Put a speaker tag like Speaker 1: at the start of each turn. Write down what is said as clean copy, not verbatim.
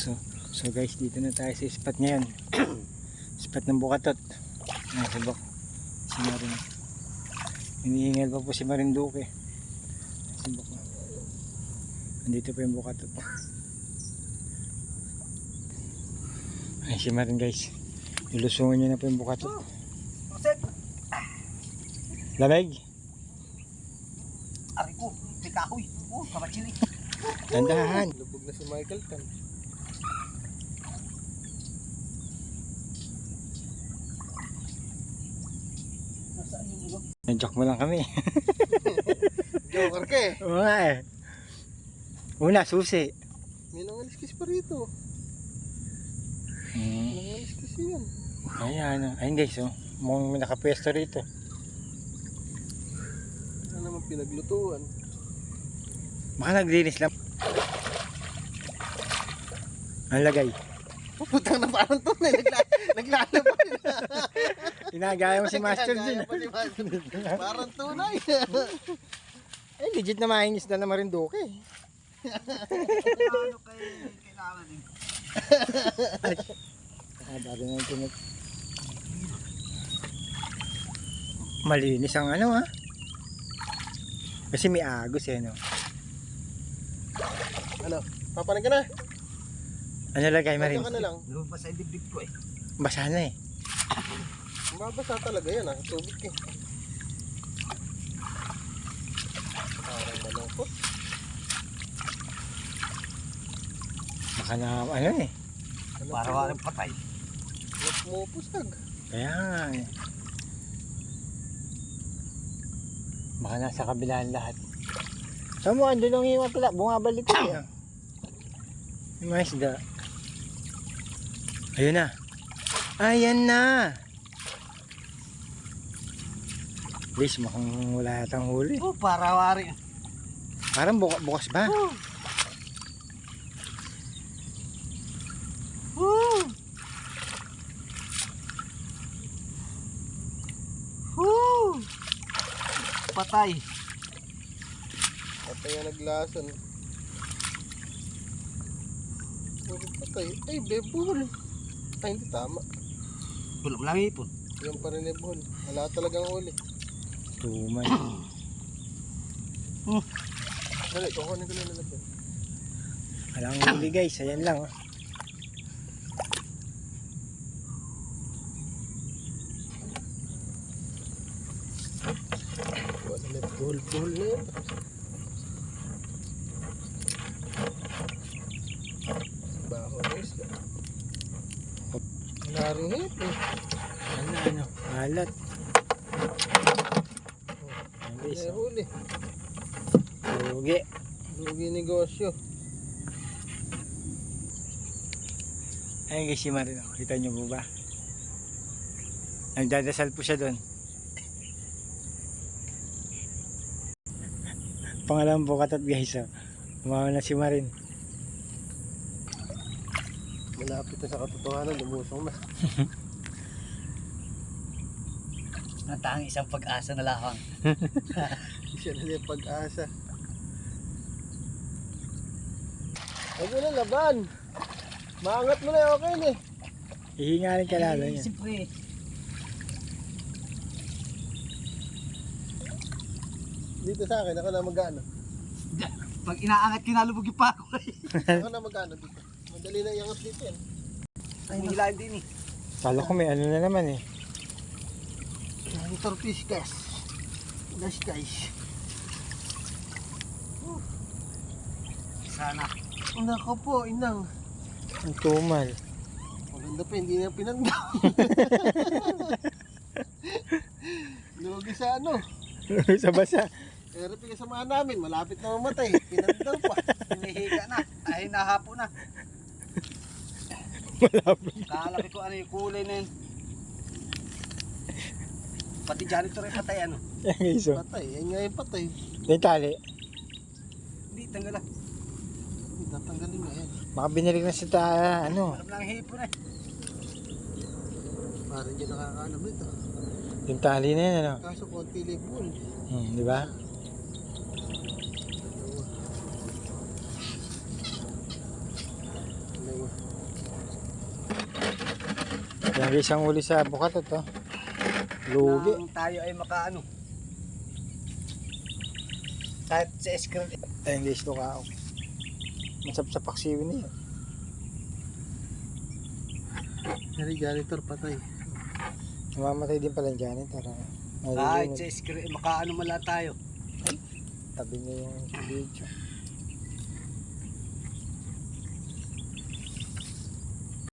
Speaker 1: So guys, dito na tayo sa spot ngayon. Spot ng Bukatot. Nasa bak. Si Marin. Hinihingal pa po si Marinduque. Nasa bak. Andito pa yung Bukatot. Ay si Marin guys. Nilusungan niya na po yung Bukatot. Lamig?
Speaker 2: Ari ko, may kahoy. Oh, kabachili.
Speaker 1: Tandahan.
Speaker 2: Lubog na si Michael Tan. Nasaan yung ulo?
Speaker 1: Nandiyak mo lang kami.
Speaker 2: Joker ka eh.
Speaker 1: Oo nga eh. Una, susi.
Speaker 2: May nangaliskis pa rito. Nangaliskis yan.
Speaker 1: Ayan. Ayun guys, oh. Mukhang may nakapwesto rito.
Speaker 2: Ano naman pinaglutuan?
Speaker 1: Baka naglinis lang. Ang lagay.
Speaker 2: Putang na parang tunay. Naglalaban.
Speaker 1: Inagaya mo si Master dyan.
Speaker 2: Parang tunay.
Speaker 1: Eh, legit na mainis na Marinduque.
Speaker 2: Ano kailangan din?
Speaker 1: Bago na yung malinis ang ano ha. Kasi may agos eh no.
Speaker 2: Ano? Papanig ka na?
Speaker 1: Ano lagay Marin?
Speaker 2: Ano ka na lang?
Speaker 3: Lumabas sa dibdib ko eh.
Speaker 1: Basa na eh.
Speaker 2: Mabasa talaga yan ah. Tubig eh. Parang malungkot.
Speaker 1: Baka na ano eh.
Speaker 3: Para walang patay.
Speaker 2: Pumupusag.
Speaker 1: Kaya nga eh. Baka nasa kabilaan lahat. Saan mo andun ang iwan pala? Bumabalik ko eh. Yung mga isda. Ayun na. Ayan na. Please, mukhang wala yatang huli.
Speaker 3: Oh, para wari.
Speaker 1: Parang bukas ba?
Speaker 3: Patay.
Speaker 2: Patay ang naglason. Patay. Ay, bebol. Ay, hindi tama.
Speaker 3: Bulong lang ipon.
Speaker 2: Yan pa rin bebol. Wala talagang uli.
Speaker 1: Tuman.
Speaker 2: Dali, kukunin ko na nalapin.
Speaker 1: Walang huli guys. Ayan lang. Oh.
Speaker 2: Wala na buhol-buhol na yun. Baho na isla. Wala rin hit eh.
Speaker 1: Ano? Alat. Ayan guys.
Speaker 2: May huli.
Speaker 1: Lugi.
Speaker 2: Lugi negosyo.
Speaker 1: Ayan guys si Marin. Kita nyo po ba? Nagdadasal po siya doon. Pangalan Bukatot guys. Oh. Umawa na si Marin.
Speaker 2: Malapit na sa katotohanan. Lumusong na.
Speaker 3: Natanging isang pag-asa na lahang.
Speaker 2: Siya na yung pag-asa. Huwag na laban. Maangat mo na okay na eh.
Speaker 1: Hihingalin ka lalo niya.
Speaker 3: Siyempre.
Speaker 2: Dito sa akin, ako na mag-ano.
Speaker 3: Pag inaangat kinalubog yung pako eh.
Speaker 2: Ako na mag-ano dito. Madali na iangat dito yan.
Speaker 3: Ay, hilahin din eh.
Speaker 1: Kala ko may ano na naman eh.
Speaker 2: Torfish guys. Guys guys.
Speaker 3: Sana.
Speaker 2: Nako po, inang.
Speaker 1: Ang tumal.
Speaker 2: Maganda pa, hindi na pinanda. Lugi sa ano.
Speaker 1: Sa basa.
Speaker 2: Pero pinasamahan namin, malapit na mamatay. Pinanda pa.
Speaker 3: Hinihiga na. Ay, nahapo na.
Speaker 1: Malapit.
Speaker 3: Kalaki ko ano yung kulay na yun. Pati janitor ay patay ano.
Speaker 1: Yan guys. Oh.
Speaker 2: Patay, yan nga yung patay.
Speaker 1: Yung tali.
Speaker 3: Hindi, tanggal na.
Speaker 2: Tatanggalin na yan.
Speaker 1: Baka binilig na sa ano.
Speaker 3: Alam lang hipon eh.
Speaker 2: Parang dyan nakakaalam nito.
Speaker 1: Yung tali na yan ano.
Speaker 2: Kaso konti libon.
Speaker 1: Di ba?
Speaker 2: Dalawa.
Speaker 1: Lagi siyang uli sa bukatot, oh. Lugi.
Speaker 3: Nang tayo ay makaano. Kahit sa screen.
Speaker 1: Ay, hindi ito kao. Masap-sapak siwin niya.
Speaker 2: Nari janitor patay.
Speaker 1: Namamatay din pala yung janitor.
Speaker 3: Kahit sa screen, makaano mala tayo.
Speaker 1: Tabi niya yung video.